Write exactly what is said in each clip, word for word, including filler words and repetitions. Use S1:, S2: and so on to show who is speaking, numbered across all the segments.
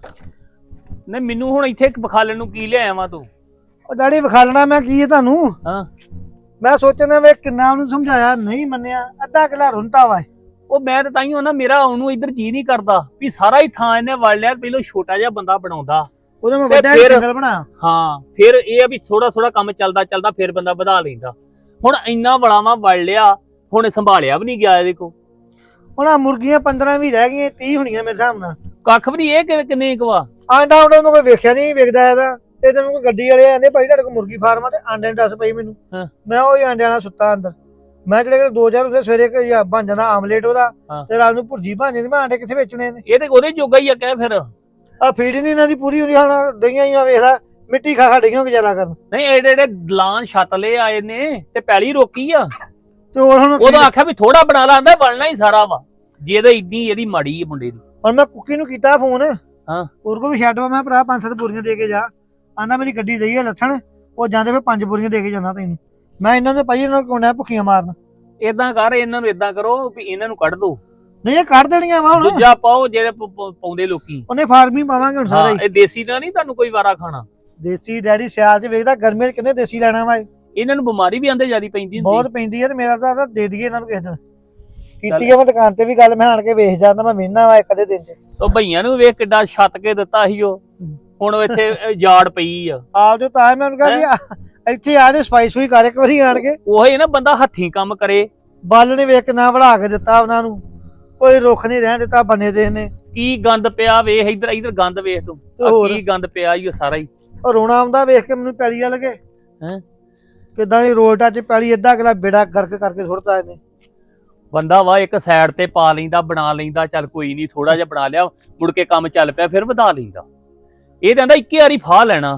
S1: ਨਹੀਂ ਮੈਨੂੰ ਹੁਣ ਇੱਥੇ ਵਿਖਾਲਣ ਨੂੰ ਕੀ ਲਿਆਇਆ ਵਾ ਤੂੰ?
S2: ਉਹ ਡੈਡੀ ਵਿਖਾਲਣਾ ਮੈਂ ਕੀ ਹੈ ਤੁਹਾਨੂੰ?
S1: ਹਾਂ
S2: ਮੈਂ ਸੋਚਣਾ ਵੇ ਕਿੰਨਾ ਉਹਨੂੰ ਸਮਝਾਇਆ ਨਹੀਂ ਮੰਨਿਆ, ਅੱਧਾ ਕਿਲਾ ਰੁੰਤਾ ਵਾ।
S1: ਉਹ ਮੈਂ ਤਾਂ ਤਾਈਓ ਨਾ ਮੇਰਾ ਉਹਨੂੰ ਇੱਧਰ ਜੀ ਨਹੀਂ ਕਰਦਾ ਵੀ ਸਾਰਾ ਹੀ ਥਾਂ ਇਹਨੇ ਵੜ ਲਿਆ। ਪਹਿਲਾਂ ਛੋਟਾ ਜਿਹਾ ਬੰਦਾ ਬਣਾਉਂਦਾ
S2: ਉਹਦੇ ਮੈਂ
S1: ਤੇ
S2: ਵੱਡਾ
S1: ਫਿਰ-
S2: ਸਿੰਗਲ ਬਣਾ।
S1: ਹਾਂ ਫਿਰ ਇਹ ਆ ਵੀ ਥੋੜਾ ਥੋੜਾ ਕੰਮ ਚੱਲਦਾ ਚੱਲਦਾ ਫਿਰ ਬੰਦਾ ਵਧਾ ਲੈਂਦਾ। ਹੁਣ ਇੰਨਾ ਵੜਾਵਾ ਵੜ ਲਿਆ, ਹੁਣ ਸੰਭਾਲਿਆ ਵੀ ਨਹੀਂ ਗਿਆ ਇਹਦੇ ਕੋ।
S2: ਹੁਣ ਆ ਮੁਰਗੀਆਂ ਪੰਦਰਾਂ ਵੀ ਰਹਿ ਗਈਆਂ, ਤੀਹ ਹੋਣੀਆਂ ਮੇਰੇ ਹਿਸਾਬ ਨਾਲ।
S1: ਕੱਖ ਵੀ ਨਹੀਂ। ਇਹ ਕਿ- ਕਿੰਨੇ ਕਵਾ
S2: ਆਂਡਾ ਆਂਡਾ ਮੈਂ ਕੋਈ ਵੇਖਿਆ ਨਹੀਂ ਵਿਕਦਾ ਇਹਦਾ। ਤੇ ਤੇ ਕੋਈ ਗੱਡੀ ਵਾਲੇ ਆਂਦੇ ਭਾਈ ਤੁਹਾਡੇ ਕੋਲ ਮੁਰਗੀ ਫਾਰਮ ਆ ਤੇ ਆਂਡੇ ਨੂੰ ਦੱਸ ਪਈ ਮੈਨੂੰ।
S1: ਹਾਂ।
S2: ਮੈਂ ਉਹ ਆਂਡਿਆਂ ਨਾਲ ਸੁੱਤਾ ਅੰਦਰ। ਮੈਂ ਜਿਹੜੇ ਦੋ ਚਾਰ ਉਹਦੇ ਸਵੇਰੇ ਕਿ ਜਾਂ ਬਣ ਜਾਂਦਾ ਆਮਲੇਟ ਉਹਦਾ
S1: ਹਾਂ।
S2: ਤੇ ਰਾਤ ਨੂੰ ਭੁਰਜੀ ਬਣ ਜਾਂਦੀ। ਮੈਂ ਆਂਡੇ ਕਿੱਥੇ ਵੇਚਣੇ ਨੇ?
S1: ਇਹ ਤੇ ਉਹਦੇ ਜੋਗਾ ਹੀ ਆ ਕਹਿ ਫਿਰ।
S2: ਆ ਫੀਡ ਨਹੀਂ ਇਹਨਾਂ ਦੀ ਪੂਰੀ ਹੁੰਦੀ। ਹੁਣ ਡਈਆਂ ਹੀ ਆ ਵੇਖ ਲੈ, ਮਿੱਟੀ ਖਾ ਖਾ ਡਈਆਂ ਗੁਜ਼ਾਰਾ ਕਰਨ।
S1: ਨਹੀਂ ਐਡੇ ਐਡੇ ਦਲਾਨ ਛੱਤ ਲੈ ਆਏ ਨੇ ਤੇ ਪੈਲੀ ਰੋਕੀ ਆ।
S2: ਤੇ ਹੋਰ ਹੁਣ
S1: ਉਹਦਾ ਆਖਿਆ ਵੀ ਥੋੜਾ ਬਣਾ ਲਾ, ਆਂਦਾ ਬਣਨਾ ਹੀ ਸਾਰਾ ਵਾ। ਜੇ ਇਹਦਾ ਇੱਡੀ ਇਹਦੀ ਮਾੜੀ ਹੈ ਮੁੰਡੇ ਦੀ।
S2: ਹੁਣ ਮੈਂ ਕੁੱਕੀ ਨੂੰ ਕੀਤਾ ਫੋਨ।
S1: ਹਾਂ।
S2: ਹੋਰ ਕੋ ਵੀ ਛੱਡ ਵਾ, ਮੈਂ ਭਰਾ ਪੰਜ ਸੱਤ ਬੋਰੀਆਂ ਦੇ ਕੇ ਜਾ। ਆਂਦਾ ਮੇਰੀ ਗੱਡੀ ਦਈ ਆ ਲੱਥਣ, ਉਹ ਜਾਂਦੇ ਫੇ ਪੰਜ ਬੋਰੀਆਂ ਦੇ ਕੇ ਜਾਂਦਾ ਤੈਨੂੰ। ਮੈਂ ਇਹਨਾਂ ਦੇ ਭਾਈ ਇਹਨਾਂ ਨੂੰ ਕੋਣਾ ਭੁੱਖੀਆਂ ਮਾਰਨ।
S1: ਏਦਾਂ ਕਰ, ਇਹਨਾਂ ਨੂੰ ਏਦਾਂ ਕਰੋ ਵੀ ਇਹਨਾਂ ਨੂੰ ਕੱਢ ਦੋ।
S2: ਨਹੀਂ ਇਹ ਕੱਢ ਦੇਣੀਆਂ ਵਾ ਹੁਣ।
S1: ਦੂਜਾ ਪਾਓ ਜਿਹੜੇ ਪ- ਪ- ਪਾਉਂਦੇ ਲੋਕੀ।
S2: ਉਹਨੇ ਫਾਰਮ ਹੀ ਪਾਵਾਂਗੇ ਹੁਣ ਸਾਰਾ
S1: ਹਾਂ,
S2: ਹੀ।
S1: ਇਹ ਦੇਸੀ ਤਾਂ ਨਹੀਂ ਤੁਹਾਨੂੰ ਕੋਈ ਵਾਰਾ ਖਾਣਾ।
S2: ਦੇਸੀ ਡੈਡੀ ਸਿਆਲ ਚ ਵੇਖਦਾ, ਗਰਮੀ ਚ ਕਿੰਨੇ ਦੇਸੀ ਲੈਣਾ ਵਾ।
S1: ਇਹਨਾਂ ਨੂੰ ਬਿਮਾਰੀ ਵੀ ਆਂਦੇ ਜਿਆਦੀ ਪੈਂਦੀ ਹੁੰਦੀ।
S2: ਬਹੁਤ ਪੈਂਦੀ ਹੈ ਤੇ ਮੇਰਾ ਤਾਂ ਦੇ ਦਈਏ ਇਹਨਾਂ ਨੂੰ ਕਿਸੇ ਦਿਨ। ਕੀਤੀ ਆ ਮੈਂ ਦੁਕਾਨ ਤੇ ਵੀ ਗੱਲ, ਮੈਂ ਆਣ ਕੇ ਵੇਖ ਜਾਂਦਾ, ਮੈਂ ਵੇਖਣਾ ਵਾ ਇੱਕ ਅੱਧੇ ਦਿਨ ਚ।
S1: ਉਹ ਭਈਆਂ ਨੂੰ ਵੇਖ ਕਿੱਡਾ ਛੱਤ ਕੇ ਦਿੱਤਾ ਸੀ ਉਹ। ਹੁਣ ਇੱਥੇ ਯਾਰਡ ਪਈ ਆ।
S2: ਆਪ ਜੋ ਤਾਂ ਮੈਂ ਉਹਨੂੰ ਕਿਹਾ ਵੀ ਆ- ਇੱਥੇ ਆ ਜੇ ਸਫਾਈ ਸੁਈ ਕਰ ਇੱਕ ਵਾਰੀ ਆਣ ਕੇ।
S1: ਉਹੀ ਨਾ ਬੰਦਾ ਹੱਥੀਂ ਕੰਮ ਕਰੇ।
S2: ਬਲ ਨੇ ਵੇਖ ਨਾ ਵੜਾ ਕੇ ਦਿੱਤਾ ਉਹਨਾਂ ਨੂੰ, ਕੋਈ ਰੁੱਖ ਨਹੀਂ ਰਹਿਣ ਦਿੱਤਾ ਬੰਨੇ ਦੇ ਨੇ।
S1: ਕੀ ਗੰਦ ਪਿਆ ਵੇਖ, ਇੱਧਰ ਇੱਧਰ ਗੰਦ ਵੇਖ ਤੂੰ।
S2: ਤੇ
S1: ਆਹ
S2: ਹੋਰ?
S1: ਕੀ ਗੰਦ ਪਿਆ ਈ ਉਹ ਸਾਰਾ ਹੀ।
S2: ਉਹ ਰੋਣਾ ਆਉਂਦਾ ਵੇਖ ਕੇ ਮੈਨੂੰ, ਪੈਲੀ ਵੱਲ ਕੇ
S1: ਹੈਂ?
S2: ਕਿੱਦਾਂ ਦੀ ਰੋਲਟਾ ਚ ਪੈਲੀ ਅੱਧਾ ਕਿਲਾ ਬੇੜਾ ਗਰਕ ਕਰਕੇ ਸੁੱਟਦਾ ਇਹਨੇ।
S1: ਬੰਦਾ ਵਾ ਇੱਕ ਸਾਈਡ ਤੇ ਪਾ ਲੈਂਦਾ, ਬਣਾ ਲੈਂਦਾ, ਚੱਲ ਕੋਈ ਨਹੀਂ ਥੋੜਾ ਜਿਹਾ ਬਣਾ ਲਿਆ, ਮੁੜ ਕੇ ਕੰਮ ਚੱਲ ਪਿਆ ਫਿਰ ਵਧਾ ਲੈਂਦਾ। ਇਹ ਕਹਿੰਦਾ ਇੱਕੇ ਵਾਰੀ ਫਾਹ ਲੈਣਾ।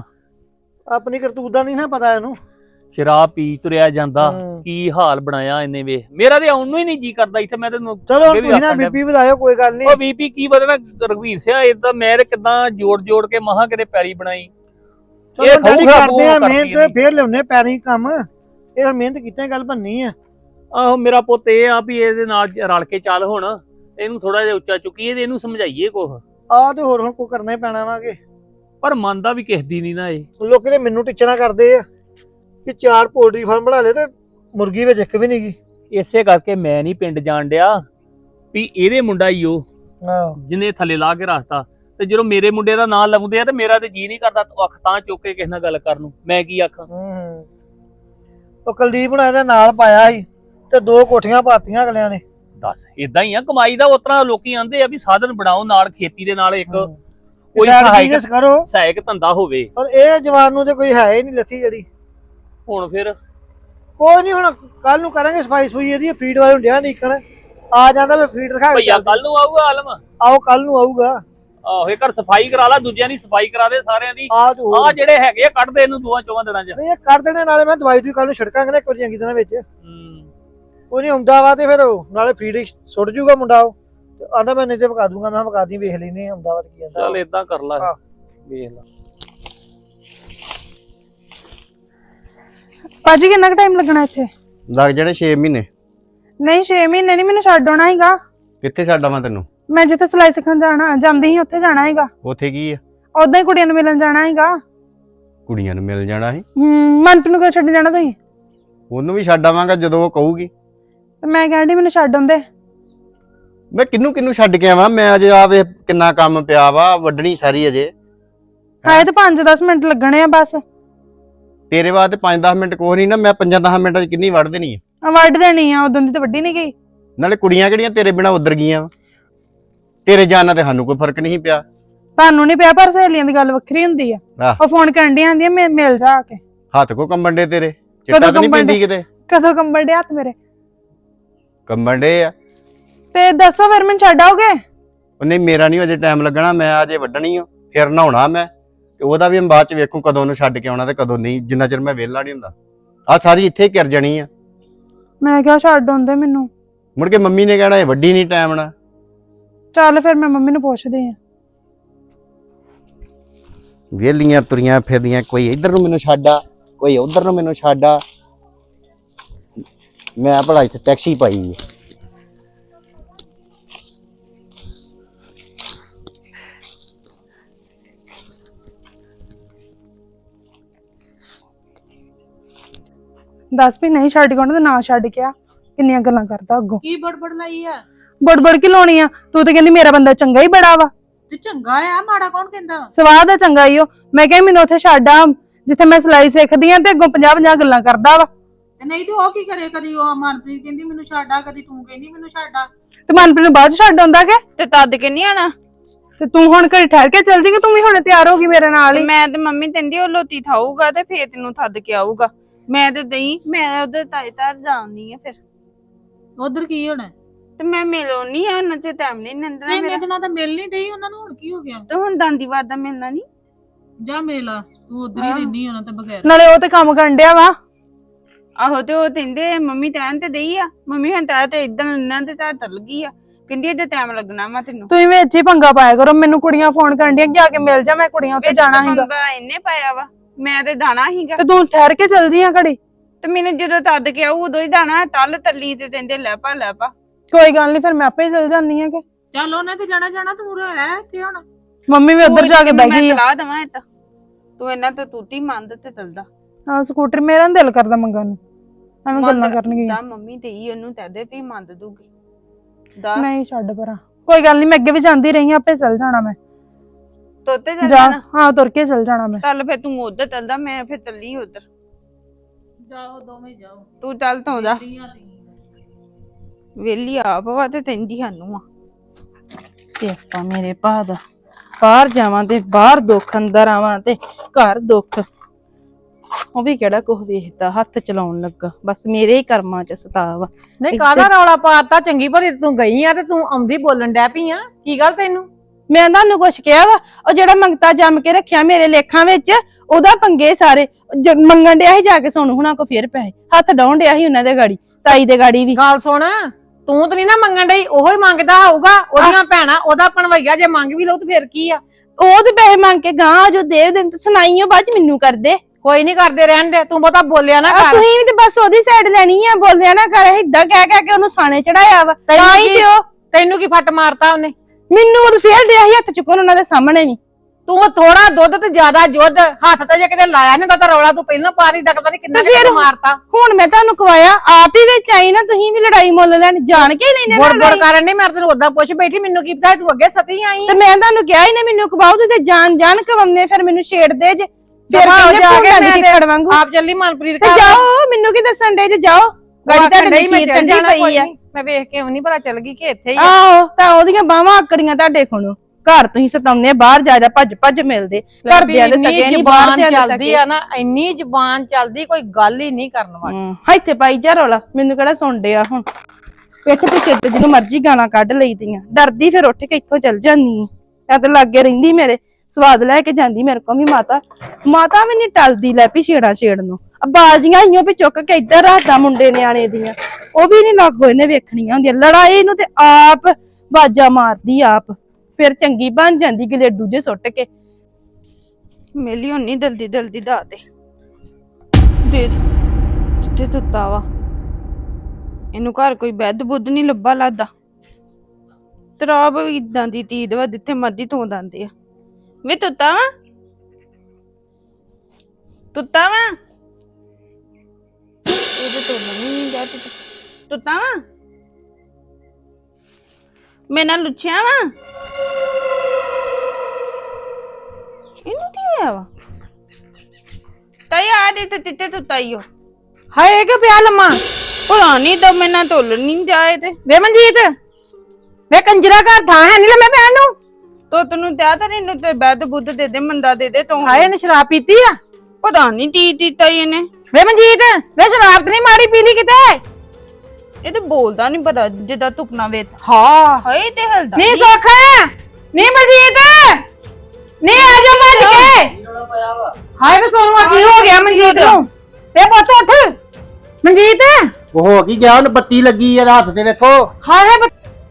S2: ਆਪਣੀ ਕਰਤੂਤ ਦਾ ਨਹੀਂ ਨਾ ਪਤਾ ਇਹਨੂੰ।
S1: ਸ਼ਰਾਬ ਪੀ ਤੁਰਿਆ ਜਾਂਦਾ।
S2: ਹੂੰ।
S1: ਕੀ ਹਾਲ ਬਣਾਇਆ ਇਹਨੇ ਵੇਖ। ਮੇਰਾ ਤੇ ਆਉਣ ਨੂੰ ਹੀ ਨਹੀਂ ਜੀ ਕਰਦਾ ਇੱਥੇ। ਮੈਂ ਤੈਨੂੰ
S2: ਚਲੋ
S1: ਅੱਗੇ
S2: ਹੁਣ
S1: ਵੀ
S2: ਤੁਸੀਂ ਨਾ
S1: ਆਖਣ ਡਿਆ।
S2: ਬੀਪੀ ਵਧਾਇਓ, ਕੋਈ ਗੱਲ ਨਹੀਂ।
S1: ਉਹ ਬੀਪੀ ਕੀ ਵਧਣਾ ਰਘਵੀਰ ਸਿਆ, ਇਦਾਂ ਮੈਂ ਤੇ ਕਿਦਾਂ ਜੋੜ ਜੋੜ ਕੇ ਮਹਾ ਕਿਤੇ ਪੈਲੀ ਬਣਾਈ।
S2: ਚਲੋ
S1: ਇਹ
S2: ਡੈਡੀ
S1: ਖਾਊਗਾ
S2: ਕਰਦੇ ਆ
S1: ਬੂ ਕਰਦੀ
S2: ਮਿਹਨਤ, ਫੇਰ ਲਿਆਉਣੇ ਪੈਰੀ ਕੰਮ। ਇਹ ਹੁਣ ਮਿਹਨਤ ਕੀਤੇ ਗੱਲ ਬੰਨੀ ਆ।
S1: ਆਹੋ ਮੇਰਾ ਪੁੱਤ ਇਹ ਆ ਵੀ ਇਹਦੇ ਨਾਲ ਰਲ ਕੇ ਚੱਲ। ਹੁਣ ਇਹਨੂੰ ਥੋੜਾ ਜਿਹਾ ਉੱਚਾ ਚੁੱਕੀਏ ਤੇ ਇਹਨੂੰ ਸਮਝਾਈਏ ਕੁਛ।
S2: ਆਹ ਤੇ ਹੋਰ ਹੁਣ ਕੋ ਕਰਨਾ ਹੀ ਪੈਣਾ ਵਾਗੇ।
S1: ਪਰ ਮੰਨਦਾ ਵੀ ਕਿਸੇ ਦੀ ਨਹੀਂ ਨਾ ਇਹ।
S2: ਲੋਕੀ ਤੇ ਮੈਨੂੰ ਟਿੱਚਣਾ ਕਰਦੇ ਆ ਕਿ ਚਾਰ ਪੋਲਟਰੀ ਫਾਰਮ ਬਣਾ ਲਏ ਤੇ ਮੁਰਗੀ ਵਿੱਚ ਇੱਕ ਵੀ ਨਹੀਂ ਗਈ।
S1: ਇਸੇ ਕਰਕੇ ਮੈਂ ਨਹੀਂ ਪਿੰਡ ਜਾਣ ਡਿਆ ਵੀ ਇਹਦੇ ਮੁੰਡਾ ਹੀ ਉਹ
S2: ਆਹ
S1: ਜਿਹਨੇ ਥੱਲੇ ਲਾ ਕੇ ਰੱਖਤਾ। ਤੇ ਜਦੋਂ ਮੇਰੇ ਮੁੰਡੇ ਦਾ ਨਾਂ ਲਾਉਂਦੇ ਆ ਤੇ ਮੇਰਾ ਤੇ ਜੀ ਨਹੀਂ ਕਰਦਾ ਅੱਖ ਤਾਂ ਚੁੱਕ ਕੇ ਕਿਸੇ ਨਾਲ ਗੱਲ ਕਰਨ ਨੂੰ। ਮੈਂ ਕੀ ਆਖਾਂ?
S2: ਹੂੰ। ਉਹ ਕੁਲਦੀਪ ਨੇ ਇਹਦੇ ਨਾਲ ਪਾਇਆ ਸੀ ਤੇ ਦੋ ਕੋਠੀਆਂ ਪਾਤੀਆਂ ਅਗਲਿਆਂ ਨੇ।
S1: ਦੱਸ ਇਦਾਂ ਹੀ ਆ ਕਮਾਈ ਦਾ। ਉਸ ਤਰ੍ਹਾਂ ਲੋਕੀ ਆਂਦੇ ਆ ਵੀ ਸਾਧਨ ਬਣਾਓ ਨਾਲ, ਖੇਤੀ ਦੇ ਨਾਲ ਇੱਕ ਕੋਈ
S2: side
S1: ਸਹਾਇਕ
S2: business ਕਰੋ।
S1: ਸਹਾਇਕ ਧੰਦਾ ਹੋਵੇ।
S2: ਪਰ ਇਹ ਜਵਾਨ ਨੂੰ ਤੇ ਕੋਈ ਹੈ ਹੀ ਨਹੀਂ ਲੱਥੀ ਜਿਹੜੀ।
S1: ਹੁਣ ਫਿਰ
S2: ਕੋਈ ਨਹੀਂ, ਹੁਣ ਕੱਲ ਨੂੰ ਕਰਾਂਗੇ ਸਫਾਈ ਸੁਈ ਇਹਦੀ। ਫੀਡ ਵਾਲੇ ਹੁੰਦਿਆ ਨਿਕਣ ਆ ਜਾਂਦਾ, ਮੈਂ ਫੀਡ ਰਖਾ ਕੇ
S1: ਭਈਆ ਕੱਲ ਨੂੰ ਆਊਗਾ ਆਲਮ।
S2: ਆਓ ਕੱਲ ਨੂੰ ਆਊਗਾ।
S1: ਆਹੋ ਇਹ ਘਰ ਸਫਾਈ ਕਰਾ ਲਾ, ਦੂਜਿਆਂ ਦੀ ਸਫਾਈ ਕਰਾ ਦੇ, ਸਾਰਿਆਂ ਦੀ।
S2: ਆ ਤੂੰ
S1: ਆ ਜਿਹੜੇ ਹੈਗੇ ਆ ਕੱਢ ਦੇ ਇਹਨੂੰ ਦੋਵਾਂ ਚੋਵਾਂ ਦਿਨਾਂ ਚ।
S2: ਨਹੀਂ ਇਹ ਕਰ ਦੇਣੇ, ਨਾਲੇ ਮੈਂ ਦਵਾਈ ਦੂਈ ਕੱਲ ਨੂੰ ਛਿੜਕਾਂਗੇ ਨਾ ਇੱਕ ਵਾਰੀ ਚੰਗੀ ਤਰ੍ਹਾਂ ਵਿੱਚ।
S1: ਹੂੰ।
S2: ਉਹ ਨਹੀਂ ਆਉਂਦਾ ਵਾ ਤੇ ਫਿਰ ਉਹ ਨਾਲੇ ਫੀਡ ਸੁੱਟ ਜੂਗਾ ਮੁੰਡਾ। ਉਹ ਤੇ ਆਂਦਾ ਮੈਂ ਨਹੀਂ ਤੇ ਵਕਾ ਦੂੰਗਾ। ਮੈਂ ਵਕਾ ਦੀ, ਵੇਖ ਲੈਨੇ ਆਉਂਦਾ ਵਾ ਤੇ ਕੀ ਆਂਦਾ।
S1: ਚੱਲ ਏਦਾਂ ਕਰ ਲਾ,
S2: ਹਾਂ।
S1: ਵੇਖ ਲਾ।
S3: ਭਾਜੀ ਕਿੰਨਾ ਕੁ ਟਾਈਮ ਲੱਗਣਾ ਇੱਥੇ?
S4: ਲੱਗ ਜਾਣੇ ਛੇ ਮਹੀਨੇ।
S3: ਨਹੀਂ ਛੇ ਮਹੀਨੇ ਨਹੀਂ, ਮੈਨੂੰ ਛੱਡ ਆਉਣਾ ਹੈਗਾ।
S4: ਕਿੱਥੇ ਛੱਡਾਂ ਮੈਂ ਤੈਨੂੰ?
S3: ਮੈਂ ਜਿੱਥੇ ਸਿਲਾਈ ਸਿੱਖਣ ਜਾਣਾ ਜਾਂਦੀ ਸੀ ਉੱਥੇ ਜਾਣਾ ਹੈਗਾ।
S4: ਉੱਥੇ ਕੀ ਆ?
S3: ਉਦਾਂ ਹੀ ਕੁੜੀਆਂ ਨੂੰ ਮਿਲਣ ਜਾਣਾ ਹੈਗਾ।
S4: ਕੁੜੀਆਂ ਨੂੰ ਮਿਲ ਜਾਣਾ ਸੀ।
S3: ਹੂੰ। ਮੰਤ ਨੂੰ ਕਿਉਂ ਛੱਡ ਜਾਣਾ ਤੁਸੀਂ?
S4: ਉਹਨੂੰ ਵੀ ਛੱਡ ਆਵਾਂਗਾ ਜਦੋਂ ਉਹ ਕਹੂਗੀ।
S3: ਤੇ ਮੈਂ ਕਹਿੰਦੀ ਮੈਨੂੰ ਛੱਡ ਆਉਂਦੇ।
S4: ਮੈਂ ਕਿੰਨੂੰ ਕਿੰਨੂੰ ਛੱਡ ਕੇ ਆਵਾਂ? ਮੈਂ ਅਜੇ ਆਵੇ ਕਿੰਨਾ ਕੰਮ ਪਿਆ ਵਾ, ਵੱਢਣੀ ਸਾਰੀ ਅਜੇ।
S3: ਹਾਏ ਤੇ ਪੰਜ ਦਸ ਮਿੰਟ ਲੱਗਣੇ ਆ ਬਸ।
S4: ਤੇਰੇ ਵਾਸਤੇ ਪੰਜ ਦਸ ਮਿੰਟ ਕੋਈ ਨਹੀਂ ਨਾ। ਮੈਂ ਪੰਜਾਂ ਦਸ ਮਿੰਟਾਂ 'ਚ ਕਿੰਨੀ ਵੱਢ ਦੇਣੀ ਆ।
S3: ਆ ਵੱਢ ਦੇਣੀ ਆ, ਉਦੋਂ ਦੀ ਤਾਂ ਵੱਢੀ ਨਹੀਂ ਗਈ।
S4: ਨਾਲੇ ਕੁੜੀਆਂ ਕਿਹੜੀਆਂ ਤੇਰੇ ਬਿਨਾ ਉਧਰ ਗਈਆਂ ਵਾ। ਤੇਰੇ ਜਾਣ ਨਾਲ ਤੇ ਸਾਨੂੰ ਕੋਈ ਫਰਕ ਨਹੀਂ ਪਿਆ।
S3: ਤੁਹਾਨੂੰ ਨਹੀਂ ਪਿਆ, ਪਰ ਸਹੇਲੀਆਂ ਦੀ ਗੱਲ ਵੱਖਰੀ ਹੁੰਦੀ ਆ।
S4: ਆਹ।
S3: ਉਹ ਫੋਨ ਕਰਨ ਦੀਆਂ ਆਂਦੀਆਂ ਮੈਂ ਮਿਲ ਜਾ ਆ ਕੇ।
S4: ਹੱਥ ਕੋ ਕੰਬਣ ਡੇ ਤੇਰੇ? ਚਿੱਟਾ ਤਾਂ ਨਹੀਂ
S3: ਕੰਬਣ
S4: ਪੀਂਦੀ
S3: ਡੇ?
S4: ਕਿਤੇ?
S3: ਕਦੋਂ ਕੰਬਲ ਡੇ ਹੱਥ ਮੇਰੇ?
S4: ਕੰਬਣ ਡੇ ਆ।
S3: ਤੇ ਦੱਸੋ ਫਿਰ ਮੈਨੂੰ ਛੱਡ ਆਓਗੇ?
S4: ਉਹ ਨਹੀਂ, ਮੇਰਾ ਨਹੀਂ ਅਜੇ ਟਾਈਮ ਲੱਗਣਾ। ਮੈਂ ਅਜੇ ਵੱਢਣੀ ਆ, ਫਿਰ ਨਹਾਉਣਾ ਮੈਂ। ਤੇ ਉਹਦਾ ਵੀ ਮੈਂ ਬਾਅਦ ਚ ਵੇਖੂ ਕਦੋਂ ਉਹਨੂੰ ਛੱਡ ਕੇ ਆਉਣਾ ਤੇ ਕਦੋਂ ਨਹੀਂ, ਜਿੰਨਾ ਚਿਰ ਮੈਂ ਵਿਹਲਾ ਨਹੀਂ ਹੁੰਦਾ। ਆ ਸਾਰੀ ਇੱਥੇ ਹੀ ਕਰ ਜਾਣੀ ਆ।
S3: ਮੈਂ ਕਿਹਾ ਛੱਡ ਆਉਂਦੇ ਮੈਨੂੰ।
S4: ਮੁੜ ਕੇ ਮੰਮੀ ਨੇ ਕਹਿਣਾ ਇਹ ਵੱਡੀ ਨਹੀਂ ਟਾਈਮ ਨਾਲ।
S3: ਚੱਲ ਫਿਰ ਮੈਂ ਮੰਮੀ ਨੂੰ ਪੁੱਛਦੀ ਆ।
S4: ਵਿਹਲੀਆਂ ਤੁਰੀਆਂ ਫਿਰਦੀਆਂ, ਕੋਈ ਇੱਧਰ ਨੂੰ ਮੈਨੂੰ ਛੱਡਾ, ਕੋਈ ਉਧਰ ਨੂੰ ਮੈਨੂੰ ਛੱਡਾ। ਮੈਂ ਭਲਾ ਇੱਥੇ ਟੈਕਸੀ ਪਾਈ ਹੈ।
S3: ਦੱਸ ਵੀ ਨਹੀਂ ਛੱਡ ਕੇ ਆਉਣਾ ਤੇ ਨਾ ਛੱਡ ਕੇ ਆ। ਕਿੰਨੀਆਂ ਗੱਲਾਂ ਕਰਦਾ ਅੱਗੋਂ।
S5: ਕੀ ਬੜਬੜ ਲਾਈ ਆ?
S3: ਬੜਬੜ ਕੀ ਲਾਉਣੀ ਆ? ਤੂੰ ਤੇ ਕਹਿੰਦੀ ਮੇਰਾ ਬੰਦਾ ਚੰਗਾ ਹੀ ਬੜਾ ਵਾ।
S5: ਤੇ ਚੰਗਾ ਆ, ਮਾੜਾ ਕੌਣ ਕਹਿੰਦਾ?
S3: ਸਵਾਦ ਆ ਚੰਗਾ ਹੀ ਉਹ। ਮੈਂ ਕਿਹਾ ਮੈਨੂੰ ਉੱਥੇ ਛੱਡ ਆ ਜਿੱਥੇ ਮੈਂ ਸਿਲਾਈ ਸਿੱਖਦੀ ਆ ਤੇ ਅੱਗੋਂ ਪੰਜਾਹ ਪੰਜਾਹ ਗੱਲਾਂ ਕਰਦਾ ਵਾ।
S5: ਤੇ ਨਹੀਂ ਤੇ ਉਹ ਕੀ ਕਰੇ? ਕਦੀ ਉਹ ਮਨਪ੍ਰੀਤ ਕਹਿੰਦੀ ਮੈਨੂੰ ਛੱਡ ਆ, ਕਦੀ ਤੂੰ ਕਹਿੰਦੀ ਮੈਨੂੰ ਛੱਡ ਆ।
S3: ਤੇ ਮਨਪ੍ਰੀਤ ਨੂੰ ਬਾਅਦ ਚ ਛੱਡ ਆਉਂਦਾ ਕਿ?
S6: ਤੇ ਤਦ ਕੇ ਨਹੀਂ ਆਣਾ?
S3: ਤੇ ਤੂੰ ਹੁਣ ਘਰੇ ਠਹਿਰ ਕੇ ਚੱਲ ਜੀਗੀ। ਤੂੰ ਵੀ ਹੁਣ ਤਿਆਰ ਹੋ ਗਈ ਮੇਰੇ ਨਾਲ
S6: ਤੇ
S3: ਹੀ।
S6: ਮੈਂ ਤੇ ਮੰਮੀ ਕਹਿੰਦੀ ਉਹ ਲੋਤੀ ਥਾਊਗਾ ਤੇ ਫੇਰ ਤੈਨੂੰ ਥੱਦ ਕੇ ਆਊਗਾ। ਮੈਂ ਤੇ ਦਈ ਮੈਂ ਉਹਦੇ ਤਾਏ ਤਾਰ ਜਾਣੀ ਆ ਫਿਰ।
S5: ਉਧਰ ਕੀ ਹੋਣਾ?
S6: ਤੇ ਮੈਂ ਮਿਲੋਨੀ ਆ ਉਹਨਾਂ ਤੇ ਟਾਈਮ ਨਹੀਂ ਨੰਦਣਾ
S5: ਨਹੀਂ
S6: ਮੇਰਾ।
S5: ਮੇਰੇ ਨਾਲ ਤਾਂ ਮਿਲ ਨਹੀਂ ਡਈ ਉਹਨਾਂ ਨੂੰ, ਹੁਣ ਕੀ ਹੋ ਗਿਆ?
S6: ਤੇ ਹੁਣ ਦਾਦੀਵਾਦ ਦਾ ਮਿਲਣਾ ਨਹੀਂ।
S5: ਜਾ ਮਿਲ ਆ, ਤੂੰ ਉਧਰ ਹੀ
S6: ਆਹ।
S5: ਰਹਿਨੀ ਉਹਨਾਂ ਤੇ ਬਗੈਰ।
S3: ਨਾਲੇ ਉਹ ਤੇ ਕੰਮ ਕਰਨ ਡਿਆ ਵਾ।
S6: ਆਹੋ ਤੇ ਉਹ ਕਹਿੰਦੇ ਮੰਮੀ ਟਾਈਮ ਤੇ ਦਈ ਆ। ਮੰਮੀ ਹੁਣ ਤਾਂ ਤੇ ਇਦਾਂ ਇਹਨਾਂ ਦੇ ਤਾਂ ਚੱਲ ਗਈ ਆ। ਕਹਿੰਦੀ ਇਹਦੇ ਟਾਈਮ ਲੱਗਣਾ ਵਾ ਤੈਨੂੰ।
S3: ਤੁਸੀਂ ਵਿੱਚ ਹੀ ਪੰਗਾ ਪਾਇਆ ਕਰੋ। ਮੈਨੂੰ ਕੁੜੀਆਂ ਫੋਨ ਕਰਨ ਡੀਆਂ ਕਿ ਆ ਕੇ ਮਿਲ ਜਾ, ਮੈਂ ਕੁੜੀਆਂ ਉੱਤੇ ਜਾਣਾ ਸੀਗਾ।
S6: ਪੰਗਾ ਇਹਨੇ ਪਾਇਆ ਵਾ, ਮੈਂ ਤੇ ਦਾਣਾ ਸੀਗਾ।
S3: ਤੇ ਤੂੰ ਠਹਿਰ ਕੇ ਚੱਲ ਜੀ ਆ ਘੜੀ।
S6: ਤੇ ਮੈਨੂੰ ਜਦੋਂ ਤਦ ਕੇ ਆਊ ਉਦੋਂ ਹੀ ਦਾਣਾ ਤਲ ਤੱਲੀ ਤੇ ਕਹਿੰਦੇ ਲੈ ਪਾ ਲੈ ਪਾ।
S3: ਕੋਈ ਗੱਲ ਨਹੀਂ ਫਿਰ ਮੈਂ ਆਪੇ ਚੱਲ ਜਾਂਦੀ ਆ ਕਿ
S5: ਚੱਲ ਉਹਨੇ ਤੇ ਜਾਣਾ ਜਾਣਾ, ਤੂੰ ਰਹਿ ਇੱਥੇ ਹੁਣ।
S3: ਮੰਮੀ ਵੀ ਉੱਧਰ ਜਾ ਕੇ ਬਹਿ ਗਈ
S6: ਮੈਂ
S3: ਆ।
S6: ਤਲਾ ਦਵਾਂ ਇਹ ਤਾਂ ਤੂੰ ਇਹਨਾਂ ਤੋਂ ਤੂਤੀ ਮੰਨਦ ਤੇ ਚੱਲਦਾ।
S3: ਹਾਂ ਸਕੂਟਰ ਮੇਰਾ ਨੀ ਦਿਲ ਕਰਦਾ ਮੰਗਣ ਨੂੰ। ਐਵੇਂ ਗੱਲਾਂ ਕਰਨਗੀਆਂ।
S6: ਤਾਂ ਮੰਮੀ ਤੇ ਹੀ ਉਹਨੂੰ ਕਹਦੇ ਤੇ ਮੰਨ ਦੂਗੀ ਦਾ।
S3: ਨਹੀਂ ਛੱਡ ਪਰਾਂ, ਕੋਈ ਗੱਲ ਨਹੀਂ। ਮੈਂ ਅੱਗੇ ਵੀ ਜਾਂਦੀ ਰਹੀ ਆਂ, ਆਪੇ ਚੱਲ ਜਾਣਾ ਮੈਂ।
S6: ਤੋਤੇ ਚੱਲ
S3: ਜਾ
S6: ਜਾਣਾ।
S3: ਹਾਂ ਤੁਰ ਕੇ ਚੱਲ ਜਾਣਾ ਮੈਂ।
S6: ਚੱਲ ਫੇ ਤੂੰ ਉਧਰ ਚੱਲਦਾ, ਮੈਂ ਫੇ ਚੱਲੀ ਉਧਰ।
S5: ਜਾਓ ਦੋਵੇਂ ਜਾਓ।
S6: ਤੂੰ ਚੱਲ ਤੋਂ ਜਾ।
S5: ਦੀਆਂ ਦੀਆਂ।
S6: ਵੇਲੀ ਆਪ ਵਾ ਤੇ ਤੈਂਦੀ ਸਾਨੂੰ ਆ ਸਿਆਪਾ ਮੇਰੇ ਭਾ ਦਾ। ਬਾਹਰ ਜਾਵਾਂ ਤੇ ਬਾਹਰ ਦੁੱਖ, ਅੰਦਰ ਆਵਾਂ ਤੇ ਘਰ ਦੁੱਖ। ਉਹ ਵੀ ਕਿਹੜਾ ਕੁਝ ਵੇਖਦਾ, ਹੱਥ ਚਲਾਉਣ ਲੱਗਾ। ਬਸ ਮੇਰੇ ਹੀ ਕਰਮਾਂ ਚ ਸਤਾਵ ਆ।
S7: ਨਹੀਂ ਕਾਹਦਾ ਰੌਲਾ ਪਾਤਾ? ਚੰਗੀ ਭਲੀ ਤੂੰ ਗਈ ਆ ਤੇ ਤੂੰ ਆਉਂਦੀ ਬੋਲਣ ਡੈ ਪਈ ਆ। ਕੀ ਗੱਲ ਤੈਨੂੰ?
S8: ਮੈਂ ਤੁਹਾਨੂੰ ਕੁਛ ਕਿਹਾ ਵਾ? ਉਹ ਜਿਹੜਾ ਮੰਗਤਾ ਜੰਮ ਕੇ ਰੱਖਿਆ ਮੇਰੇ ਲੇਖਾਂ ਵਿੱਚ, ਉਹਦਾ ਪੰਗੇ ਸਾਰੇ। ਜ- ਮੰਗਣ ਡਿਆ ਸੀ ਜਾ ਕੇ ਸੋਨੂੰ ਹੁਣਾਂ ਕੋ ਫੇਰ ਪੈਸੇ, ਹੱਥ ਡਾਉਣ ਡਿਆ ਸੀ ਉਹਨਾਂ ਦੇ ਗਾੜੀ, ਤਾਈ ਦੇ ਗਾੜੀ ਵੀ।
S7: ਗੱਲ ਸੁਣ, ਤੂੰ ਤਾਂ ਨਹੀਂ ਨਾ ਮੰਗਣ ਡਈ, ਉਹੋ ਹੀ ਮੰਗਦਾ ਹੋਊਗਾ। ਉਹਦੀਆਂ ਭੈਣਾਂ, ਉਹਦਾ ਭਣਵਈਆ ਜੇ ਮੰਗ ਵੀ ਲਓ ਤੇ ਫਿਰ ਕੀ ਆ?
S8: ਉਹ ਤੇ ਪੈਸੇ ਮੰਗ ਕੇ ਗਾਂ ਜੋ ਦੇ ਦੇਣ ਤੇ ਸੁਣਾਈਓ ਬਾਅਦ ਚ ਮੈਨੂੰ ਕਰਦੇ।
S7: ਕੋਈ ਨਹੀਂ ਕਰਦੇ ਰਹਿਣ ਦੇ, ਤੂੰ ਬਹੁਤਾ ਬੋਲਿਆ ਨਾ
S8: ਆ
S7: ਕਰ।
S8: ਤੁਸੀਂ ਵੀ ਤੇ ਬਸ ਉਹਦੀ ਸਾਈਡ ਲੈਣੀ ਆ, ਬੋਲਿਆ ਨਾ ਕਰ। ਏਦਾਂ ਕਹਿ ਕਹਿ ਕੇ ਉਹਨੂੰ ਸਾਣੇ ਚੜਾਇਆ ਵਾ। ਤਾਂ
S7: ਤੈਨੂੰ
S8: ਹੀ
S7: ਕੀ-
S8: ਤੇ ਉਹ
S7: ਤੈਨੂੰ ਕੀ ਫੱਟ ਮਾਰਤਾ ਉਹਨੇ?
S8: ਮੈਨੂੰ ਉਹ ਫੇਰ ਡਿਆ ਸੀ ਹੱਥ ਚੁੱਕਣ ਉਹਨਾਂ ਦੇ ਸਾਹਮਣੇ ਵੀ।
S7: ਤੂੰ ਥੋੜਾ ਦੁੱਧ ਤੇ ਜ਼ਿਆਦਾ ਜੁੱਧ, ਹੱਥ ਤੇ ਜੇ ਕਿਤੇ ਲਾਇਆ ਨਹੀਂ ਤਾਂ ਰੌਲਾ ਤੂੰ ਪਹਿਲਾਂ ਪਾਰੀ ਡੱਕਦਾ ਨਹੀਂ ਕਿੰਨਾ
S8: ਤੇ ਫਿਰ
S7: ਕਿਤੇ ਮਾਰਤਾ।
S8: ਹੁਣ ਮੈਂ ਤੁਹਾਨੂੰ ਕਵਾਇਆ, ਆਪ ਹੀ ਵਿੱਚ ਆਈ ਨਾ। ਤੁਸੀਂ ਵੀ ਲੜਾਈ ਮੁੱਲ ਲੈਣ ਜਾਣ ਕੇ ਹੀ ਲੈਣੇ
S7: ਬੋੜ
S8: ਨਾ
S7: ਬੋੜ
S8: ਲੜਾਈ।
S7: ਕਰਨ ਨਹੀਂ, ਮੈਂ ਤੈਨੂੰ ਉਦਾਂ ਪੁੱਛ ਬੈਠੀ, ਮੈਨੂੰ ਕੀ ਪਤਾ ਤੂੰ ਅੱਗੇ ਸਤੀ ਆਈ।
S8: ਤੇ ਮੈਂ ਤੁਹਾਨੂੰ ਕਿਹਾ ਹੀ ਨਾ ਮੈਨੂੰ ਕਵਾਓ ਤੇ ਜਾਣ ਜਾਣ ਕਵੰਨੇ ਫਿਰ ਮੈਨੂੰ ਛੇੜਦੇ ਜੇ। ਫਿਰ
S7: ਦਫ਼ਾ ਹੋ
S8: ਕਹਿੰਦੇ
S7: ਜਾ ਕੇ
S8: ਭੁੰਡਾਂ ਦੀ
S7: ਮੈਂ
S8: ਟਿੱਕੜ ਵਾਂਗੂ।
S7: ਆਪ ਚੱਲੀ ਮਨਪ੍ਰੀਤ
S8: ਤੇ
S7: ਘਰ।
S8: ਜਾਓ, ਮੈਨੂੰ ਕੀ ਦੱਸਣ ਦੇ ਜੇ? ਜਾਓ ਗਾੜੀ ਤੁਹਾਡੇ
S7: ਨਹੀਂ, ਮੈਂ
S8: ਨਖੀਰ
S7: ਚੱਲ
S8: ਠੰਡੀ
S7: ਜਾਣਾ,
S8: ਪਈ
S7: ਕੋਈ
S8: ਆ।
S7: ਨੀ। ਮੈਂ ਵੇਖ ਕੇ ਨਹੀਂ ਭਲਾ ਚੱਲ ਗਈ ਕਿ ਇੱਥੇ ਹੀ ਆ।
S8: ਆਹੋ ਤਾਂ ਉਹਦੀਆਂ ਬਾਹਾਂ ਆਕੜੀਆਂ ਤੁਹਾਡੇ ਕੋਲੋਂ। ਘਰ ਤੁਸੀਂ ਸਤਾਉਂਦੇ, ਬਾਹਰ ਜਾ ਜਾ ਭੱਜ ਭੱਜ ਮਿਲਦੇ। ਘਰਦਿਆਂ ਦੇ ਸਕੇ ਨਹੀਂ, ਬਾਹਰ ਦੇ
S7: ਚੱਲਦੀ
S8: ਸਕੇ।
S7: ਆ ਨਾ, ਇੰਨੀ ਜ਼ੁਬਾਨ ਚੱਲਦੀ, ਕੋਈ ਗੱਲ ਹੀ ਨਹੀਂ ਕਰਨ ਵਾਲੀ।
S8: ਹਾਂ ਇੱਥੇ ਪਾਈ ਜਾ ਰੌਲਾ, ਮੈਨੂੰ ਕਿਹੜਾ ਸੁਣ ਡਿਆ ਹੁਣ। ਪਿੱਠ ਤੇ ਸਿਰ ਤੇ ਜਿਹਨੂੰ ਮਰਜ਼ੀ ਗਾਲਾਂ ਕੱਢ ਲਈਦੀਆਂ। ਡਰਦੀ ਫਿਰ ਉੱਠ ਕੇ ਇੱਥੋਂ ਚੱਲ ਜਾਂਦੀ ਆ। ਤੇ ਲਾਗੇ ਰਹਿੰਦੀ ਮੇਰੇ, ਸਵਾਦ ਲੈ ਕੇ ਜਾਂਦੀ ਮੇਰੇ ਕੋਲ ਵੀ। ਮਾਤਾ ਮਾਤਾ ਵੀ ਨਹੀਂ ਟਲਦੀ, ਲੈ ਪਈ ਛੇੜਾ ਛੇੜ ਨੂੰ। ਬਾਜ਼ੀਆਂ ਆਈਆਂ ਵੀ ਚੁੱਕ ਕੇ ਇੱਧਰ ਰੱਖਦਾ ਮੁੰਡੇ ਨਿਆਣੇ ਦੀਆਂ, ਉਹ ਵੀ ਨਹੀਂ ਲਾਗੋ ਇਹਨੇ ਵੇਖਣੀਆਂ ਹੁੰਦੀਆਂ। ਲੜਾਈ ਨੂੰ ਤੇ ਆਪ ਬਾਜਾ ਮਾਰਦੀ ਆਪ, ਫਿਰ ਚੰਗੀ ਬਣ ਜਾਂਦੀ ਗਲੇਡੂ ਜੇ ਸੁੱਟ ਕੇ।
S6: ਮੇਲੀ ਹੁੰਨੀ ਦਲਦੀ ਦਲਦੀ ਦਾ ਤੇ ਦੇ ਜਿੱਥੇ ਤੁੱਤਾ ਵਾ। ਇਹਨੂੰ ਘਰ ਕੋਈ ਬੈੱਦ ਬੁੱਧ ਨਹੀਂ ਲੱਭਾ ਲੱਗਦਾ। ਤਰਾਬ ਇਦਾਂ ਦੀ ਤੀਦ ਵਾ ਜਿੱਥੇ ਮਰਜੀ ਤੋਂ ਦੰਦੇ ਆ। ਵੇ ਤੁੱਤਾ ਵਾ, ਤੁੱਤਾ ਵਾ। ਇਹਦੇ ਤੋਂ ਨਹੀਂ ਜਾ ਤੁੱਤਾ ਵਾ। ਮੈਂ ਨਾ ਲੁੱਛਿਆ ਵਾ। ਇਹਨੂੰ ਕੀ ਹੋਇਆ ਵਾ? ਤਾਈ ਆ ਦੇ ਤੇ ਤਿੱਤੇ ਤੁੱਤਾ ਈ ਓ।
S7: ਹਾਏ ਕਿ ਪਿਆ ਲੰਮਾ।
S6: ਪਤਾ ਨਹੀਂ ਤਾਂ ਮੈਂ ਨਾ ਤੋਲ ਨਹੀਂ ਜਾਏ ਤੇ।
S7: ਵੇ ਮਨਜੀਤ, ਵੇ ਕੰਜਰਾ ਘਰ ਥਾਂ ਹੈ ਨਹੀਂ ਲੰਮੇ ਪੈਣ ਨੂੰ।
S6: ਤੋ ਤੈਨੂੰ ਤਿਆ ਤਾਂ ਇਹਨੂੰ ਤੇ ਬੈਦ ਬੁੱਧ ਦੇ ਦੇ, ਮੰਦਾ ਦੇ ਦੇ ਤੂੰ।
S7: ਹਾਏ ਨੇ ਸ਼ਰਾਬ ਪੀਤੀ ਆ।
S6: ਪਤਾ ਨਹੀਂ ਤੀ ਦਿੱਤਾ ਈ ਇਹਨੇ।
S7: ਵੇ ਮਨਜੀਤ, ਵੇ ਸ਼ਰਾਬ ਤੇ ਨਹੀਂ ਮਾੜੀ ਪੀ ਲਈ ਕਿਤੇ?
S6: ਇਹ ਤੇ ਬੋਲਦਾ ਨਹੀਂ ਪਤਾ ਜਿੱਦਾਂ ਤੁਪਨਾ ਵੇਤ।
S7: ਹਾਂ
S6: ਹਾਏ ਤੇ ਹਿਲਦਾ
S7: ਨਹੀਂ ਸੁੱਖ, ਨਹੀਂ ਮਨਜੀਤ, ਨਹੀਂ ਆ ਜਾ ਭੱਜ ਕੇ। ਹਾਏ ਵੇ ਸੋਨੂੰ ਆ ਕੀ ਹੋ ਗਿਆ ਮਨਜੀਤ ਨੂੰ? ਵੇ ਪੁੱਤ ਉੱਠ ਮਨਜੀਤ।
S4: ਉਹ ਹੋ ਕੀ ਗਿਆ? ਉਹਨੂੰ ਬੱਤੀ ਲੱਗੀ ਇਹਦਾ ਹੱਥ ਤੇ ਵੇਖੋ।
S7: ਹਾਏ ਵੇ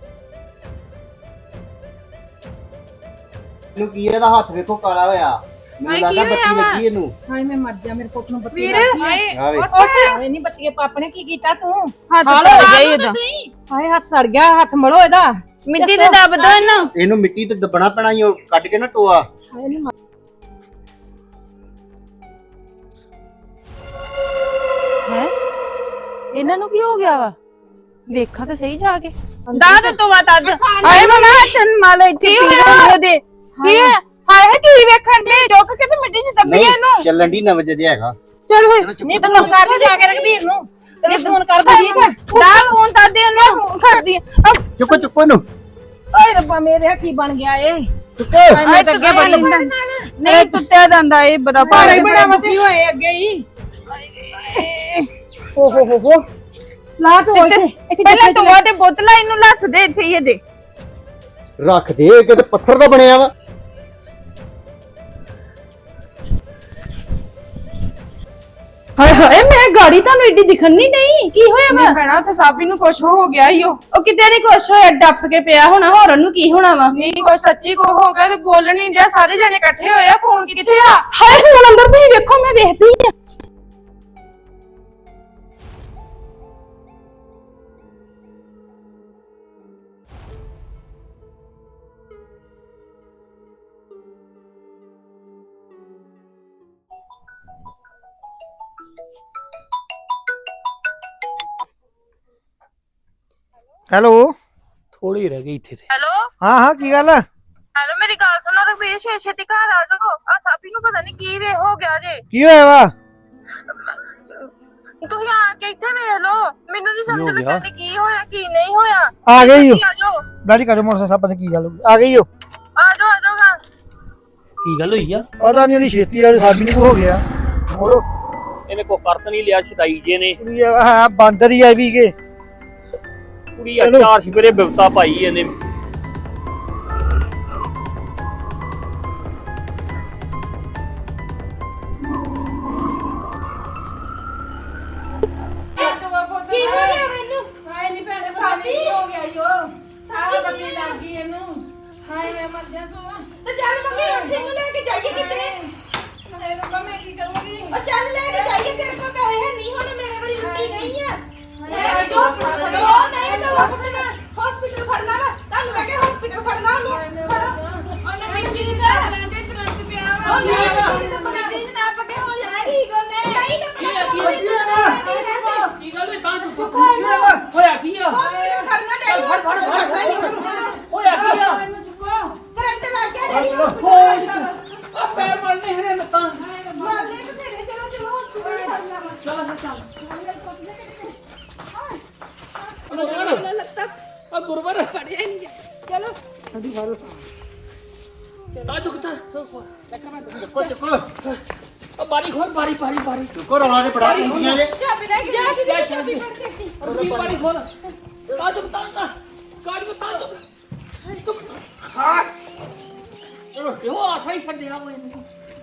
S4: ਇਹਨੂੰ ਕੀ ਇਹਦਾ ਹੱਥ ਵੇਖੋ ਕਾਲਾ ਹੋਇਆ। ਮੈਨੂੰ ਲੱਗਦਾ ਬੱਤੀ ਲੱਗੀ ਇਹਨੂੰ।
S7: ਹਾਏ ਮੈਂ ਮਰ ਜਾ, ਮੇਰੇ ਪੁੱਤ ਨੂੰ ਬੱਤੀ
S3: ਵੀਰ,
S7: ਲੱਗੀ।
S4: ਆਵੇ
S7: ਹਾਏ ਨਹੀਂ ਬੱਤੀਏ ਪਾਪ ਨੇ ਕੀ ਕੀਤਾ ਤੂੰ?
S6: ਹੱਥ
S7: ਹਾਲ
S6: ਧੋ
S7: ਹੋ
S6: ਜਾਈ ਉਹਦਾ।
S7: ਹਾਏ ਹੱਥ ਸੜ ਗਿਆ, ਹੱਥ ਮੜੋ ਇਹਦਾ।
S6: ਮਿੱਟੀ ਤੇ ਦੱਬ ਦੋ ਇਹਨੂੰ।
S4: ਇਹਨੂੰ ਮਿੱਟੀ ਤੇ ਦੱਬਣਾ ਪੈਣਾ ਈ, ਉਹ ਕੱਢ ਕੇ ਨਾ ਟੋਆ।
S7: ਹਾਏ ਨਹੀਂ
S8: ਹੈ
S6: ਇਹਨਾਂ ਨੂੰ ਕੀ ਹੋ ਗਿਆ ਵਾ ਵੇਖਾਂ ਤੇ ਸਹੀ ਜਾ ਕੇ ਦਾਦ ਤੋਂ ਬਾਤ ਅੱਜ ਹਾਏ ਮਮਾ ਤਨ ਮਾਲ ਇੱਥੇ ਪੀ ਰਹੀ ਦੇ ਕੀ ਹੈ ਹਾਏ ਕੀ ਵੇਖਣ ਦੇ ਚੁੱਕ ਕੇ ਤੇ ਮਿੱਟੀ 'ਚ ਦੱਬੀ ਇਹਨੂੰ
S4: ਚੱਲਣ ਦੀ ਨਵ ਜੇ ਹੈਗਾ
S6: ਚੱਲ ਵੇ
S7: ਨਹੀਂ ਤੂੰ ਕਰ ਦੇ ਜਾ ਕੇ ਰਘਬੀਰ ਨੂੰ ਨਹੀਂ ਫੋਨ ਕਰ ਦੇ ਠੀਕ ਹੈ
S6: ਦਾ ਫੋਨ ਤਾਂ ਦੇ ਉਹਨੂੰ ਕਰਦੀ
S4: ਚੁੱਕੋ ਚੁੱਕੋ ਇਹਨੂੰ
S7: ਓਏ ਰੱਬਾ ਮੇਰੇ ਕੀ ਬਣ ਗਿਆ ਏ
S6: ਆਏ ਤਾਂ ਅੱਗੇ ਬੜੀ ਨਹੀਂ ਤੁੱਤਿਆ ਦੰਦਾ ਇਹ ਬੜਾ
S7: ਪਾਣੀ ਬੜਾ ਮੱਤੀ ਹੋਏ ਅੱਗੇ ਹੀ ਓ ਹੋ ਹੋ ਹੋ ਲਾ ਤੋ ਇੱਥੇ
S6: ਪਹਿਲਾਂ ਤੂੰ ਤੇ ਬੋਤਲਾਂ ਇਹਨੂੰ ਲੱਥ ਦੇ ਇੱਥੇ ਹੀ ਦੇ
S4: ਰੱਖ ਦੇ ਕਿਤੇ ਪੱਥਰ ਦਾ ਬਣਿਆ ਵਾ
S8: ਹਾਏ ਹਾਏ ਮੈਂ ਗਾੜੀ ਤੁਹਾਨੂੰ ਏਡੀ ਦਿਖਣ ਨਹੀਂ ਨਹੀਂ ਕੀ ਹੋਇਆ ਵਾ ਭੈਣਾ ਤੇ ਸਾਬੀ ਨੂੰ ਕੁਛ ਹੋ ਗਿਆ ਈਓ ਉਹ ਕਿਤੇ ਨਹੀਂ ਕੁਛ ਹੋਇਆ ਡੱਫ ਕੇ ਪਿਆ ਹੋਣਾ ਹੋਰ ਉਹਨੂੰ ਕੀ ਹੋਣਾ ਵਾ ਨਹੀਂ ਕੋਈ ਸੱਚੀ ਕੋ ਹੋ ਗਿਆ ਤੇ ਬੋਲਣ ਨਹੀਂ ਰਿਹਾ ਸਾਰੇ ਜਣੇ ਇਕੱਠੇ ਹੋਏ ਆ ਫੋਨ ਕਿੱਥੇ ਆ ਹਾਏ ਫੋਨ ਅੰਦਰ ਤੁਸੀਂ ਵੇਖੋ ਮੈਂ ਵੇਖਦੀ ਆ
S2: ਹੈਲੋ
S1: ਥੋੜੀ ਰਹਿ ਗਈ ਇੱਥੇ ਤੇ
S6: ਹੈਲੋ
S2: ਹਾਂ ਹਾਂ ਕੀ ਗੱਲ ਆ
S6: ਹੈਲੋ ਮੇਰੀ ਗੱਲ ਸੁਣੋ ਰਵੀਰ ਛੇ ਛੇਤੀ ਘਰ ਆ ਜਾਓ ਆ ਸਾਬੀ ਨੂੰ ਪਤਾ ਨਹੀਂ ਕੀ ਵੇ ਹੋ ਗਿਆ ਜੇ
S2: ਕੀ ਹੋਇਆ ਵਾ
S6: ਤੁਸੀਂ ਆ ਕੇ ਇੱਥੇ ਵੇਖ ਲਓ ਮੈਨੂੰ ਨਹੀਂ
S1: ਕੀ ਹੋ
S6: ਸਮਝ
S1: ਗਿਆ?
S6: ਲੱਗਦੀ ਕੀ ਹੋਇਆ ਕੀ ਨਹੀਂ ਹੋਇਆ
S2: ਆ ਗਈ ਓ
S6: ਆ ਜਾਓ
S2: ਡੈਡੀ ਕਰੇ ਮੋਟਰਸਾਈਕਲ ਸਾਹਿਬ ਪਤਾ ਕੀ ਗੱਲ ਹੋ ਗਈ ਆ ਗਈ ਓ
S6: ਆ ਜਾਓ ਆ ਜਾਓਗਾ
S1: ਕੀ ਗੱਲ ਹੋਈ ਆ
S2: ਪਤਾ ਨਹੀਂ ਉਹਦੀ ਛੇਤੀ ਆ ਸਾਡੀ ਨੂੰ ਹੋ ਗਿਆ ਹੋਰ
S1: ਇਹਨੇ ਕੋ ਕਰਤ ਨਹੀਂ ਲਿਆ ਛਦਾਈ ਜੇ ਨੇ
S2: ਕੁੜੀ ਆ ਹੈ ਬਾਂਦਰ ਹੀ ਆ ਵੀ ਕੇ
S1: ਕੁੜੀ ਆ ਚਾਰ ਸਵੇਰੇ ਬਿਵਤਾ ਪਾਈ ਇਹਨੇ
S7: ਕੀ ਹੋ ਗਿਆ ਮੈਨੂੰ ਹਾਏ ਨਹੀਂ ਭੈਣੇ ਸਾਬੀ ਹੋ ਗਿਆ ਈਓ ਸਾਰਾ ਬੱਤੀ ਲੱਗ ਗਈ ਇਹਨੂੰ ਹਾਏ ਮੈਂ ਮਰ ਜਾ ਸੋ
S8: ਤੇ ਚੱਲ ਮੰਮੀ ਉੱਠ ਇਹਨੂੰ ਲੈ ਕੇ ਜਾਈਏ ਕਿਤੇ
S7: ਹਾਏ ਰੱਬਾ ਮੈਂ ਕੀ ਕਰੂੰਗੀ
S8: ਉਹ ਚੱਲ ਲੈ ਕੇ ਜਾਈਏ ਤੇਰੇ ਕੋਲ ਪੈਸੇ ਹੈ ਨਹੀਂ ਹੁਣ ਮੇਰੇ ਵਾਰੀ ਲੁੱਟੀ ਗਈ ਆ
S7: ਹਾਏ
S8: ਉਹ ਨਹੀਂ ਤਾਂ ਫੜਨਾ ਹਸਪੀਟਲ ਫੜਨਾ ਵਾ ਤੁਹਾਨੂੰ ਮੈਂ ਕਿਹਾ ਹਸਪੀਟਲ ਫੜਨਾ ਉਹਨੂੰ ਫੜੋ
S6: ਉਹਨੇ ਮਿੱਟੀ ਦੀ ਤਰ੍ਹਾਂ ਲੈਂਦੇ ਤੁਰੰਤ ਪਿਆ ਵਾ
S8: ਉਹ ਨਹੀਂ ਤਾਂ ਫੜਨਾ
S6: ਮਿੱਟੀ ਨਾ ਪੱਕੇ ਹੋ ਜਾਣਾ ਠੀਕ ਉਹਨੇ
S8: ਨਹੀਂ ਤਾਂ ਫੜਨਾ
S1: ਕੀ ਗੱਲ ਹੈ ਤਾਂ ਚੁੱਪ ਹੋਇਆ ਕੀ ਆ
S8: ਹਸਪੀਟਲ ਫੜਨਾ ਡੈਡੀ ਹਸਪੀਟਲ ਫੜਨਾ
S1: ਹੋਇਆ ਕੀ ਆ
S7: ਮੈਨੂੰ ਚੁੱਕੋ
S8: ਕਰੰਟ ਲੱਗ ਗਿਆ ਡੈਡੀ
S1: ਹੋਏ ਆ ਪੈਰ ਮਰਨੇ ਹਰੇ ਲੱਤਾਂ
S8: ਮਾਰਨੇ ਤੇ ਤੇਰੇ ਚਲੋ ਚਲੋ ਹਸਪੀਟਲ ਫੜਨਾ ਵਾ
S1: ਚੱਲ ਚੱਲ
S8: ਲੱਤਾਂ
S1: ਆ ਗੁਰਵਰ
S8: ਫੜਿਆ ਨਹੀਂ ਚਲੋ
S1: ਤਾਂ ਚੁੱਕਤਾ
S4: ਚੁੱਕੋ ਚੁੱਕੋ
S1: ਆ ਬਾਰੀ ਖੋਲ ਬਾਰੀ ਬਾਰੀ ਬਾਰੀ
S4: ਚੁੱਕੋ ਰੌਲਾ ਦੇ ਬੜਾ ਕੁੰਡੀਆਂ ਜੇ
S7: ਚਾਬੀ ਲੈ ਕੇ
S8: ਜਾ
S1: ਲੈ
S8: ਦੀਦੀ
S1: ਚਾਬੀ ਰੁਕੀ ਬਾਰੀ ਖੋਲ ਤਾਂ ਚੁੱਕਤਾ ਤਾਂ ਗਾੜੀ ਨੂੰ ਤਾਂ ਚੁੱਕ ਹਾਂ ਇਹੋ ਆਖਾ ਹੀ ਛੱਡਿਆ ਉਹ ਇਹਨੂੰ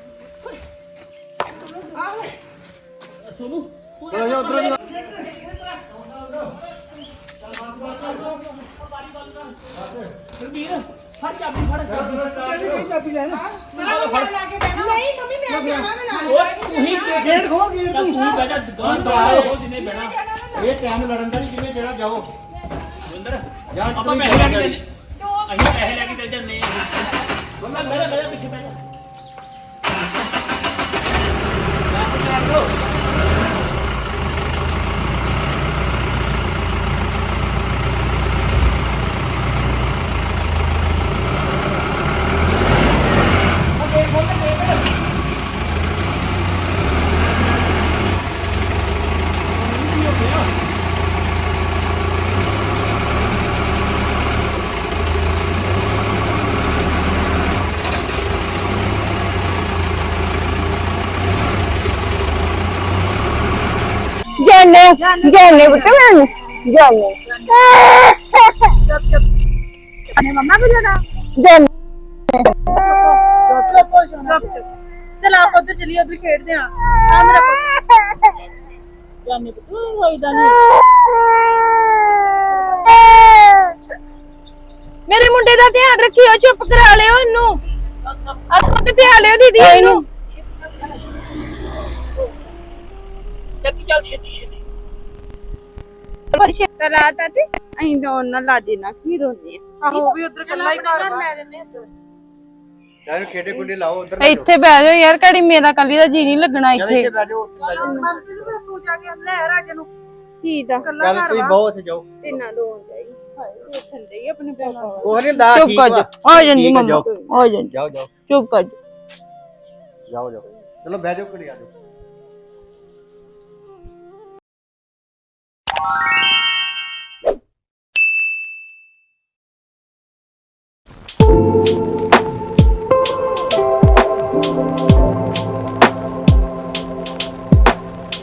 S1: ਸੁਣੂ
S4: ਚਲੋ ਜਾ ਉਧਰ
S1: ਵੀਰ ਫੜ ਚਾਬੀ ਫੜ ਚਾਬੀ
S2: ਚਾਬੀ ਲੈ ਲੈ
S1: ਫੜ
S8: ਨਹੀਂ ਮੰਮੀ ਮੈਂ ਜਾਣਾ ਮੈਂ ਨਾਲ
S1: ਉਹ ਤੂੰ ਹੀ
S2: ਗੇਟ ਖੋਲ ਗੇਟ
S1: ਤੂੰ ਹੀ ਬਹਿ ਜਾ ਦੁਕਾਨ ਤੋਂ ਉਹ ਜਿੰਨੇ ਬਹਿਣਾ
S4: ਇਹ ਟਾਈਮ ਲੜਨ ਦਾ ਨਹੀਂ ਕਿੰਨੇ ਜਿਹੜਾ ਜਾਓ
S1: ਜਿੰਦਰ
S4: ਜਾਂ
S1: ਆਪਾਂ
S4: ਤੁਸੀਂ
S1: ਪੈਸੇ ਲੈ ਕੇ
S4: ਜਾਓ
S1: ਚੱਲੇ ਅਸੀਂ ਪੈਸੇ ਲੈ ਕੇ ਚੱਲ ਜਾਂਦੇ ਹਾਂ ਮੈਂ ਬਹਿ ਜਾ ਬਹਿ ਜਾ ਪਿੱਛੇ ਬਹਿ ਜਾ
S3: ਜਾਨੇ ਜਾਨੇ ਬੁੱਤ ਮੈਂ ਜਾਨੇ
S7: ਅਨੇ ਮੰਮਾ ਵੀ ਲੈਣਾ
S3: ਜਾਨੇ
S7: ਚਲ ਆਪਾਂ ਉਧਰ ਚਲੀਏ ਉਧਰ ਖੇਡਦੇ ਆ ਆ ਮੇਰਾ ਪੁੱਤ ਜਾਨੇ ਪੁੱਤ ਹੋਈਦਾ ਨਹੀਂ
S8: ਮੇਰੇ ਮੁੰਡੇ ਦਾ ਧਿਆਨ ਰੱਖਿਓ ਚੁੱਪ ਕਰਾ ਲਿਓ ਇਹਨੂੰ ਅਸੋ ਤੇ ਪਿਆ ਲਿਓ ਦੀਦੀ ਇਹਨੂੰ
S1: ਛੇਤੀ ਚੱਲ ਛੇਤੀ ਛੇਤੀ
S6: ਤਾਂ ਰਾਤ ਆ ਤੇ ਅਸੀਂ ਤਾਂ ਉਹਨਾਂ ਲਾਦੇ ਨਾ ਖੀਰ ਹੁੰਦੀ ਆ
S7: ਆਹੋ ਵੀ ਉਧਰ ਕੱਲਾ ਹੀ ਘਰ ਵਾ
S6: ਲੈ ਜੰਨੇ
S4: ਯਾਰ ਖੇਡੇ ਕੁੰਡੇ ਲਾਓ ਉਧਰ
S6: ਇੱਥੇ ਬਹਿ ਜਾਓ ਯਾਰ ਘੜੀ ਮੇਰਾ ਕੱਲੀ ਦਾ ਜੀ ਨਹੀਂ ਲੱਗਣਾ ਇੱਥੇ
S4: ਬਹਿ ਜਾਓ
S3: ਜਾ ਕੇ ਲੈ ਰਾਜ ਨੂੰ
S6: ਕੀ ਦਾ
S3: ਕੱਲਾ
S4: ਚੱਲ
S3: ਘਰ
S4: ਤੁਸੀਂ
S3: ਵਾ
S4: ਬਹੁਤ ਜਾਓ
S6: ਤਿੰਨਾਂ ਦੋ ਜਾਈ ਹਾਏ ਵੇਖਣ ਦੇ ਆਪਣੇ ਪਾਪਾ
S4: ਉਹ ਨਹੀਂ ਹੁੰਦਾ
S6: ਚੁੱਪ
S4: ਠੀਕ
S6: ਕਰ
S4: ਵਾ
S6: ਜਾ ਆ ਜਾਂਦੀ
S4: ਠੀਕ ਆ,
S6: ਮੰਮਾ
S4: ਜਾਓ।
S6: ਆ ਜਾਂਦੀ
S4: ਜਾਓ ਜਾਓ
S6: ਚੁੱਪ ਕਰ ਜਾ
S4: ਜਾਓ ਜਾਓ ਚਲੋ ਬਹਿ ਜਾਓ ਘੜੀ ਆ ਜਾਓ